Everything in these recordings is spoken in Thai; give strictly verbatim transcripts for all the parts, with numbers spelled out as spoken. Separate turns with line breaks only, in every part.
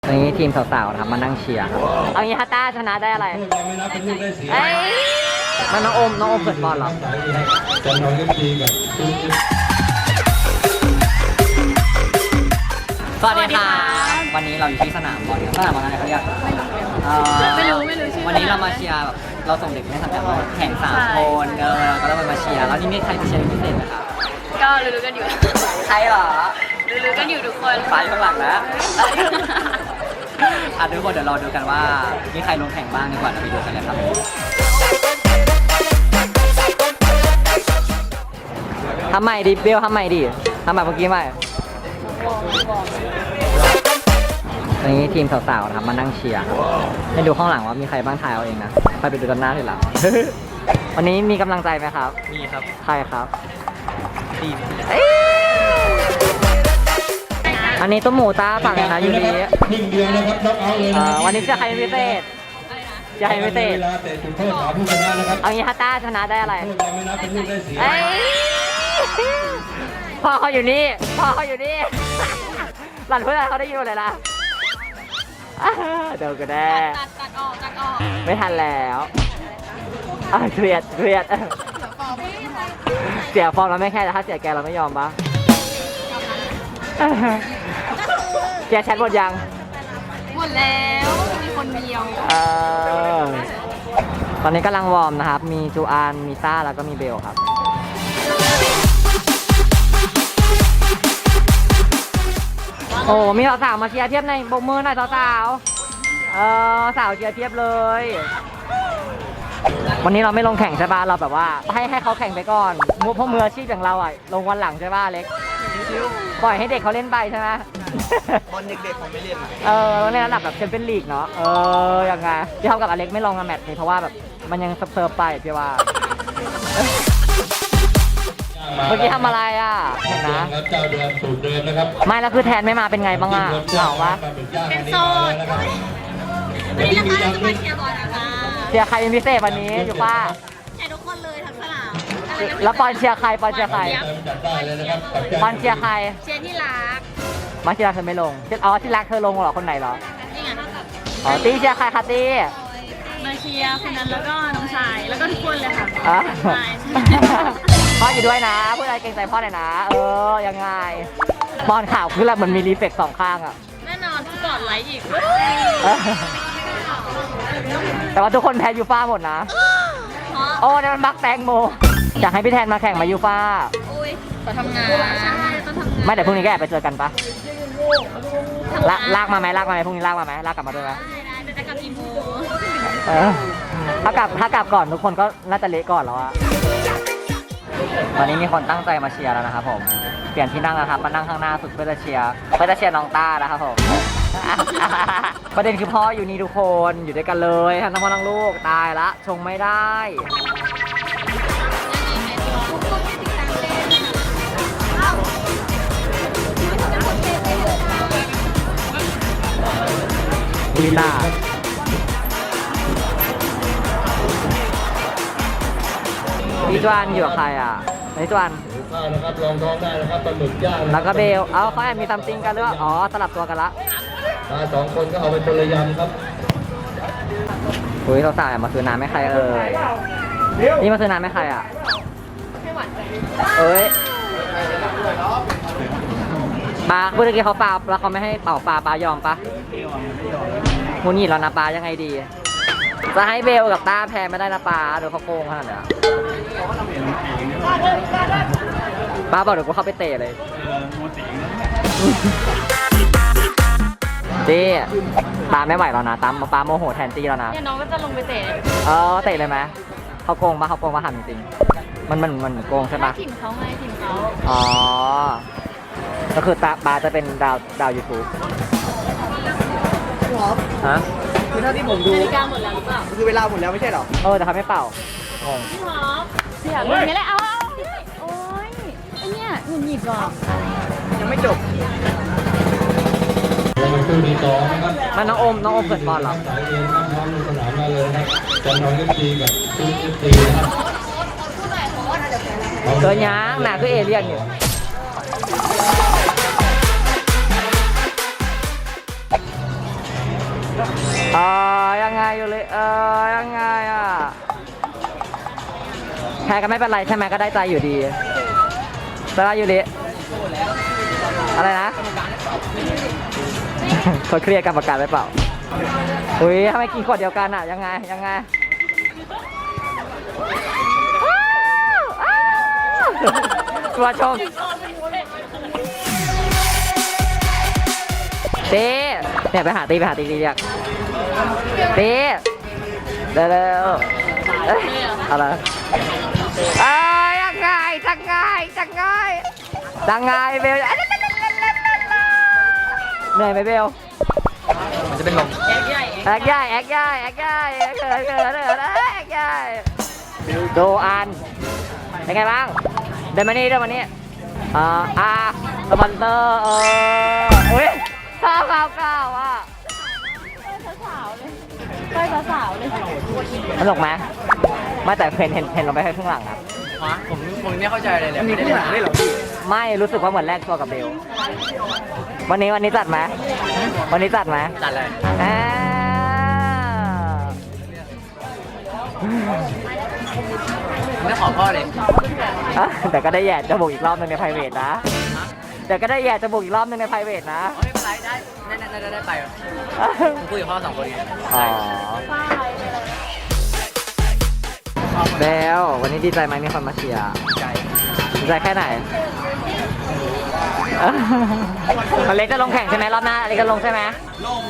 นี้ทีมสาวๆนะครับมานั่งเชียร์ครับเอางี้ฮัตต้าชนะได้อะไรเอ้ยมันน้องโอมน้องโอมเกิดบอลเหรอ
จะนอนกันดีกับ
สวัสดีค่ะวันนี้เราอยู่ที่สนามบอลสนามบอลอะไรเขาเรียก
ไม่รู้ไม่รู้ชื่อ
วันนี้เรามาเชียร์แบบเราส่งเด็กในสังกัดเราแข่งสามคนเออเราก็ต้องมาเชียร์แล้วนี่มีใครไปเชียร์พิเศษไหมครับ
ก็รู้ๆกันอยู่
ใครเหรอ
รู้ๆกันอยู่ทุกคน
ไปข้างหลังนะอ่ะทุกคนเดี๋ยวรอดูกันว่ามีใครลงแข่งบ้างดีกว่าเราไปดูกันเลยครับทำใหม่ดิเบลทำใหม่ดิทำแบบเมื่อกี้ใหม่วันนี้ทีมสาวๆนะครับมานั่งเชียร์ให้ดูข้างหลังว่ามีใครบ้างถ่ายเอาเองนะไปไปดูกันหน้าทีหลัง วันนี้มีกำลังใจไหมครับมีครับใครครับทีมอันนี้ต้มหมูตาฝั่งนะอยู่ดี
ครึ่งเดียวนะครับน็อกเอาท์เลยนะ
วันนี้จะใครพิเศษจะใครพิเศษเอางี้ฮัตต้าชนะได้อะไรพ่อเขาอยู่นี่พ่อเขาอยู่นี่หลังเพื่อนเขาได้ยินหมดเลยนะเดี๋ยวก็ได้
ตัดตัดออกตัดออก
ไม่ทันแล้วเครียดเครียดเสียฟอร์มเราไม่แค่แต่ถ้าเสียแกเราไม่ยอมปะเสียแชทหมดยัง
หมดแล้วมีคนเดียว
เออตอนนี้กำลังวอร์มนะครับมีจูอานมีซ่าแล้วก็มีเบลครับโอ้มีสาวๆมาเชียร์เทียบในโบกมือหน่อยสาวๆเออสาวเชียร์เทียบเลยวันนี้เราไม่ลงแข่งใช่ป่ะเราแบบว่าให้ให้เขาแข่งไปก่อนพวกมืออาชีพอย่างเราอ่ะลงวันหลังใช่ป่ะเล็กปล่อยให้เด็กเขาเล่นไปใช่ไหม
บอลเด็กๆผมไม่เล่น
เออในระดับแบบแชมเปี้ยนลีกเนาะเออยังไงที่เท่ากับอเล็กไม่ลงในแมตช์นี้เพราะว่าแบบมันยังเซิร์ฟไปพี่ว่าเมื่อกี้ทำอะไรอ่ะเห็นนะ
เจ้าเดือนสูตรเดิมนะครับ
ไม่แล้วคือแทนไม่มาเป็นไงบ้างอ่ะเหงาวะ
เป็นโซนวันนี้นะคะเราจะมาเชียร์บอลนะคะ
เชียร์ใครเป็นพิเศษวันนี้อยู่ป้า
เชียร์ทุกคนเลยทั้งสนาม
แล้วปอนเชียร์ใครปอนเชียร์ใครปอนเชียร์ใคร
เชียร์ที่รัก
มาที่รักเธอไม่ลงอ๋อที่รักเธอลงเหรอคนไหนเหรอ
นี่ไงเท่ากับ
อ๋อตีเชียร์ใครคะตี
มาเชียร์คนนั้นแล้วก็น้องชายแล้วก็ทุกคนเลยค่ะ
พ่ออยู่ด้วยนะพูดอะไรเกรงใจพ่อหน่อยนะเออยังไงบอลข่าวคือแบบมันมีรีเฟกสองข้างอ่ะ
แน่นอนกอดไลค์อีก
แต่ว่าทุกคนแพ้ยูฟ่าหมดนะโอ้เนี่ยมันบักแตงโมอยากให้พี่แทนมาแข่งมายูฟ่า
อุ้ยขอทำงานใช่ต้องทำงาน
ไม่แต่พรุ่งนี้ก็แอบไปเจอกันปะลากมาไหมลากมาไหมพรุ่งนี้ลากมาไหมลากกลับมาด้วยไหม
ได้จะกลับกี่โมง
ถ้ากลับถ้ากลับก่อนทุกคนก็น่าจะเละก่อนแล้วอะตอนนี้มีคนตั้งใจมาเชียร์แล้วนะครับผมเปลี่ยนที่นั่งนะครับมานั่งข้างหน้าสุดเพื่อจะเชียร์เพื่อจะเชียร์น้องต้านะครับผมประเด็นคือพ่ออยู่นี่ทุกคนอยู่ด้วยกันเลยทั้งพ่อทั้งลูกตายละชงไม่ได้ดีตาพี่จวนอยู่กับใครอ่ะไอ้จวน
นะครับลองท้องได้นะครับปลาหมึกย่าง
แล้วก็เบลเอาเขาแอบมีซัมติงกันหรืออ๋อสลับตัวกันละ
สองคนก็เอาไปคนละยำครับ
คุยสาวๆมาซื้อน้ำไม่ใครเอ่ยนี่มาซื้อน้ำไม่ใครอ่ะ
ไม่หวานใจ
เอ้ยปลาเมื่อกี้เขาปลาแล้วเขาไม่ให้เป่าปลาปลายอมปะมูนี่แล้วนะปลายังไงดีจะให้เบลกับต้าแพ้ไม่ได้นะปลาเดี๋ยวเขาโกงขนาดนี้ปลาบอกเดี๋ยวกูเข้าไปเตะเลยจี้ปลาไม่ไหวแล้วนะตามปลาโมโหแทนจี้แล้วนะ
เนี่ยน้องก็จะลงไปเตะ
เออเตะเลยไหมเขาโกงปะเขาโกงปะถามจริงมันมันมันโกงใช่ปะ
ทีมเขาไงทีมเขา
อ๋อก็คือตาปลาจะเป็นดาวดาวยูทูบฮะ
คือถ้าที่ผมดู
นาฬิกาหมดแล้วหรือเปล่า
คือเวลาหมดแล้วไม่ใช่หรอ
เออแต่เขาไม่เป่า
พี่ท็อปเสียงอย่างนี้เลยเอาเอาโอ้ยไอเนี่ยหงุดหงิดว่ะ
ยังไม่จบ
มันน้องโอมน้องโอมเกิดบอลเหรอ
สายเรียนน้ำน้ำลงสนามมาเลยครับจะนอนกันดีกับทุกทีนะครับ
เกินยังหนาคือเอเลี่ยนอยู่เออยังไงอยู่เลยเออยังไงอ่ะแพ้ก็ไม่เป็นไรใช่ไหมก็ได้ใจอยู่ดีแต่ว่าอยู่ดีอะไรนะ เขาเครียดกรรมการไว้เปล่าอุ้ยทำไมกินขวดเดียวกันอ่ะยังไงยังไงตัวชมตีเนี่ยไปหาตีไปหาตีตีเรียกตีเร็วเร็วเอ้ยอะไรเอ้ยยังไงจังไงจังไงจังไงเบลเหนื่อยไหมเบลมันจะเป็นลมแอกใหญ่แอกใหญ่แอกใหญ่แอกใหญ่เกิดเกิดเกิดแอกใหญ่ดูอันเป็นไงบ้างเดินมานี่เดินมานี่อ่าอ่าสปอนเซอร์เอออุ้ยข้าวข้าวข้าวอ่ะ
สาวๆเลยไปสาวๆเลย
สนุกไหมไม่แต่เห็นเห็นเห็นลงไปแค่ครึ่งหลังครับ
ฮะผมผมไม่เข้าใจเลยเลยมีข้างหลังด้วยเหรอพี่
ไม่รู้สึกว่าเหมือนแลกตัวกับเบลวันนี้วันนี้จัดไหมวันนี้จัดไหม
จัดเลย
อ่า
ไม่ขอพ่อเลย
อ่ะแต่ก็ได้แย่จมูกอีกรอบนึงใน private นะแต่ก็ได้แย่จมูกอีกรอบนึงใน private นะ
ไม่เป็นไรได้ได้ได้ได้ไปผมคุยกับพ่อสองคนไง
อ๋อเบลวันนี้ดีใจไหมมีคนมาเชียร์
ใจ
ดีใจแค่ไหนอเล็กจะลงแข่งใช่ไหมรอบหน้าอเล็กจะลงใช่ไหมลง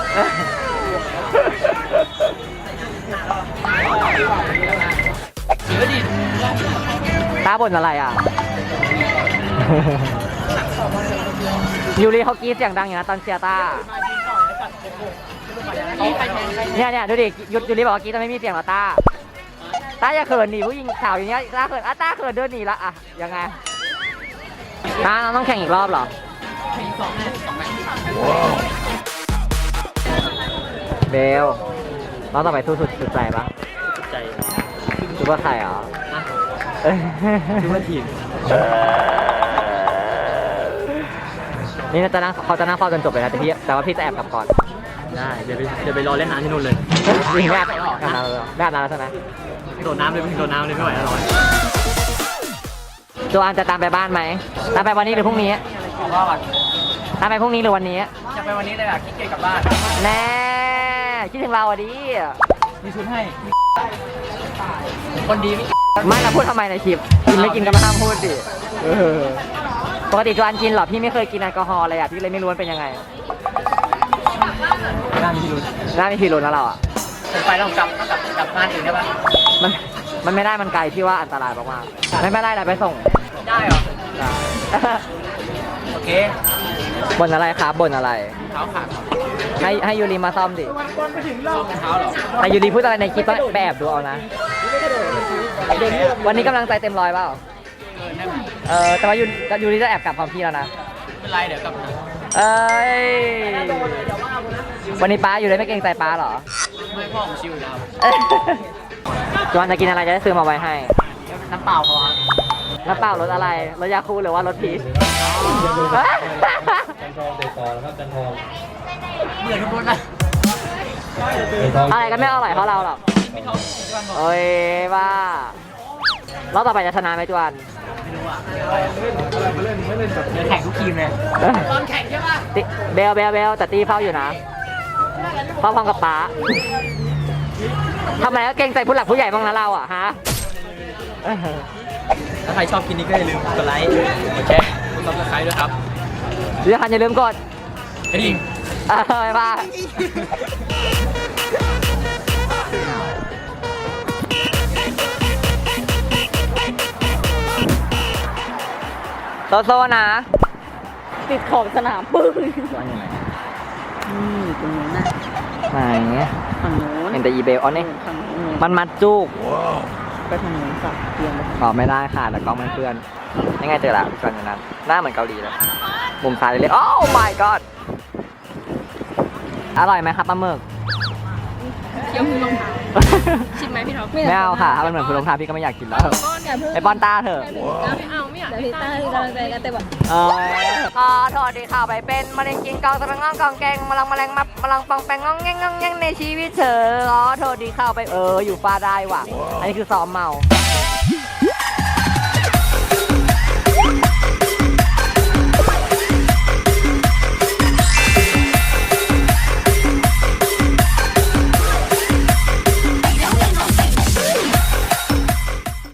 เยอะดิ
ตาบ่นอะไรอ่ะ ยูริเขากรี๊ดเสียงดังอยู่นะตอนเชียร์ตาเนี่ยเนี่ยดูดิยูยูริบอกว่ากรี๊ดแต่ไม่มีเสียงหรอตาตาอย่าเขินหนีผู้หญิงสาวอย่างเงี้ยตาเขินอ่ะตาเขินเดินหนีละอ่ะยังไงตาเราต้องแข่งอีกรอบเหรอเบลเราต่อไปสู้สุดสุดใจปะ
ใจ
คิดว่าใครเหรอ
คิดว่าทีม
นี่จะนั่งเขาจะนั่งเฝ้าจนจบเลยนะแต่พี่แต่ว่าพี่จะแอบกลับก่อน
ได้เดี๋ยวไปเดี๋ยวไปรอเล่นน้ำที่นู่นเลย
จริงแอบแอบนานแล้วแอบนานแล้วใช่ไหม
โดดน้ำเลยโดดน้ำเลยไม่ไหวแล้วร้อน
โจอันจะตามไปบ้านไหมตามไปวันนี้หรือพรุ่งนี้
ว่าแบบ
ตามไปพรุ่งนี้หรือวันนี้
จะไปวันนี้เลยแบบคิดเก่งกลับบ้าน
แน่คิดถึงเราอ่ะดิ
มีชุดให้คนดีไม่
ไม่เราพูดทำไมในคลิปกินไม่กินก็ไม่ห้ามพูดดิเออปกติโจอันกินเหรอพี่ไม่เคยกินแอลกอฮอล์เลยอ่ะพี่เลยไม่รู้ว่าเป็นยังไง
น่ามีพิรุธ
น่ามีพิรุธนะเราอ่ะ
ผมไปแล้วผมกลับกลับกลับบ้านเองได้ปะ
มันมันไม่ได้มันไกลพี่ว่าอันตรายมากๆไม่ไม่ได้เลยไปส่ง
ได้เหรอ
ได้
โอเค
บ่นอะไรครับบ่นอะไร
เท้าขาด
ให้ให้ยูริมาซ่อมดิ
รองเท้าเหรอ
แต่ยูริพูดอะไรในคลิปต้องไปแอบดูเอานะ วันนี้กำลังใจเต็มร้อยเปล่า
เออได้ไหม
เออแต่ว่ายูยูริจะแอบกลับพร้อมพี่แล้วนะ
ไม่เป็นไรเดี๋ยวกลับมา
เอ้ย วันนี้ป้าอยู่เลยไม่เกรงใจป้าเหรอ
ไม่พ่อผมชิวอยู่แล้ว
เอ้ยจวนจะกินอะไรจะได้ซื้อมาไว้ให้
น้ำเปล่าพอครับ
น้ำเปล่ารสอะไร รสยาคูลหรือว่ารสพีช
จันทองเตะต่อแล้วครับจันทอง
เหมือนทุกคนนะ
เตะทอง
อะไรก็ไม่อร่อยเพราะเราหรอก
ไม่เท่าที่วันบอก
โอ้ยบ้าเราต่อไปจะชนะไหมจวน
ไม่รู้อ่ะเดี๋ยวแข่งทุกทีมเลยตอนแข่งใช่ปะ
ติเบลเบลเบลแต่ตีเฝ้าอยู่นะเฝ้าพร้อมกับป้าทำไมก็เกรงใจผู้หลักผู้ใหญ่บ้างนะเราอ่ะฮะ
ถ้าใครชอบกินนี้ก็อย่าลืมกดไลค์กดแชร์กดซับสไครต์ด้วยครับ
เรื่องคันอย่าลืมกด
กระดิ่ง
เออไปบ้าโซโซนะ
ติดขอบสนามปึ้ง
จวนอยู่ไหน
นี่ตรงนู้นนะ
ไหน
ฝั่งนู้น
เห็นแต่อีเบลอ๋อนี่
ฝั่งนู้น
มันมัดจุก
ไปทางนู้นสักเตียงไป
ตอบไม่ได้ค่ะแต่กล้องมันเพื่อนยังไงเจอละจวนอยู่นั้นหน้าเหมือนเกาหลีเลยมุมซ้ายเลยโอ้ my god อร่อยไหมครับปลาหมึก
เคี้ยวมือรองเท้าชิมไหมพี่ท็อป
ไม่เอาค่ะถ้ามันเหมือนคุณลงทานพี่ก็ไม่อยากกินแล้ว
อย่าเพิ่ง
ไปป้อนต้าเถอะ
ไม่เอาไม่อยากเดี๋ยวพี่ต้าคือกำลังใจกันแต่แบบ
เออขอโทษที่เข้าไปเป็นมะเร็งกินกองตะลังงองกองแกงมะลังมะแรงมับมะลังปองแปงงองแงงงองแงงในชีวิตเธอขอโทษที่เข้าไปเอออยู่ฟ้าได้ว่ะ อันนี้คือซ้อมเมา